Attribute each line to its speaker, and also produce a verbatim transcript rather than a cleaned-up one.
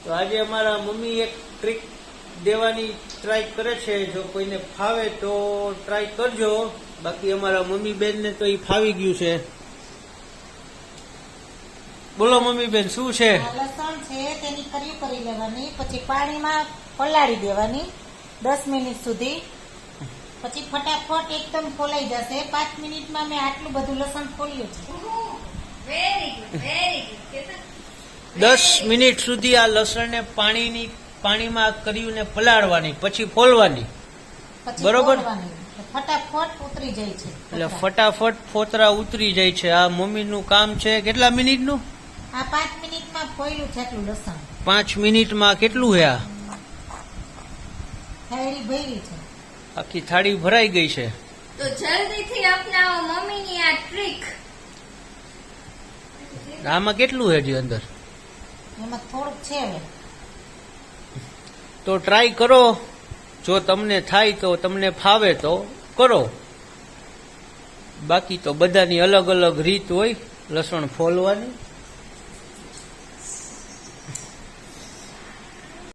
Speaker 1: તો આજે અમારા મમ્મી એક ટ્રીક દેવાની ટ્રાય કરે છે. જો કોઈને ફાવે તો ટ્રાય કરજો, બાકી અમારા મમ્મી બેન ને તો એ ફાવી ગયું છે. બોલો મમ્મી બેન, શું છે?
Speaker 2: લસણ છે તેની કરી કરી લેવાની, પછી પાણીમાં પલાળી દેવાની દસ મિનિટ સુધી, પછી ફટાફટ એકદમ ફોલાઈ જશે. પાંચ મિનિટમાં મેં આટલું બધું લસણ ફોલ્યું છે.
Speaker 3: Very good, very good.
Speaker 1: દસ મિનિટ સુધી આ લસણને પાણીની પાણીમાં કર્યું પલાળવાની, પછી ફોલવાની.
Speaker 2: પછી
Speaker 1: બરોબર.
Speaker 2: ફોલવાની. ફટાફટ ઉતરી જાય છે.
Speaker 1: એટલે ફટાફટ ફોતરા ઉતરી જાય છે. આ મમ્મીનું કામ છે. કેટલા મિનિટનું?
Speaker 2: આ પાંચ મિનિટમાં ફોલ્યું છે આટલું લસણ.
Speaker 1: પાંચ મિનિટમાં કેટલું હે? આ
Speaker 2: થાળી ભરી છે,
Speaker 1: આખી થાળી ભરાઈ ગઈ છે.
Speaker 3: તો જલ્દીથી અપનાવો મમ્મીની આ ટ્રીક.
Speaker 1: આમાં કેટલું હે જી અંદર?
Speaker 2: એમાં થોડુંક છે. હવે
Speaker 1: તો ટ્રાય કરો. જો તમને થાય તો, તમને ફાવે તો કરો. બાકી તો બધાની અલગ અલગ રીત હોય લસણ ફોલવાની.